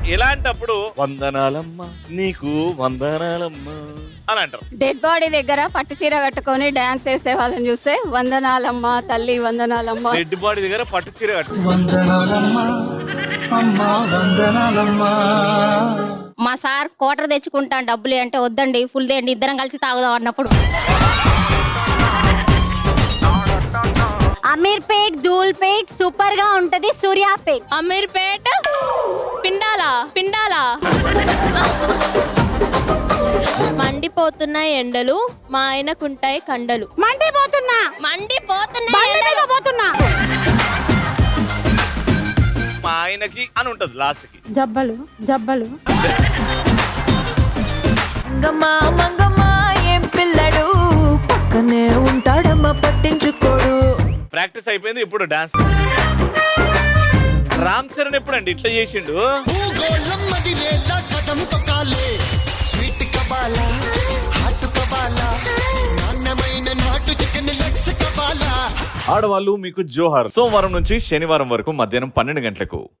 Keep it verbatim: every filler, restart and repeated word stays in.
ఇలాంటప్పుడు వందనాలమ్మా నీకు వందనాలమ్మా అని అంటారు. డెడ్ బాడీ దగ్గర పట్టు చీర కట్టుకొని డాన్స్ చేసే వాళ్ళని చూస్తే వందనాలమ్మ తల్లి వందనాలమ్మ. డెడ్ బాడీ దగ్గర పట్టు చీర కట్టు మా సార్ కోటర్ తెచ్చుకుంటాను డబ్బులు అంటే వద్దండి ఫుల్ దేండి ఇద్దరం కలిసి తాగుదాం అన్నప్పుడు అమీర్పేట్ ధూల్పేట్ సూపర్ గా ఉంటది సూర్యాపేట్. అమీర్పేట్ పిండాలా పిండాలా మండిపోతున్న ఎండలు మా ఆయనకుంటాయి కండలు. మండిపోతున్నా మండిపోతున్నా మా ఆయనకి అని ఉంటది లాస్ట్ కి జబ్బలు జబ్బలు మంగమ్మ మంగమ్మ ఏం పిల్లడు పక్కనే ఉంటాడమ్మ పట్టించుకోడు. ప్రాక్టీస్ అయిపోయింది, ఇప్పుడు డాన్స్. రామ్ చరణ్ ఎప్పుడండి ఇట్లా చేసిండు? ఆడవాళ్ళు మీకు జోహార్. సోమవారం నుంచి శనివారం వరకు మధ్యాహ్నం పన్నెండు గంటలకు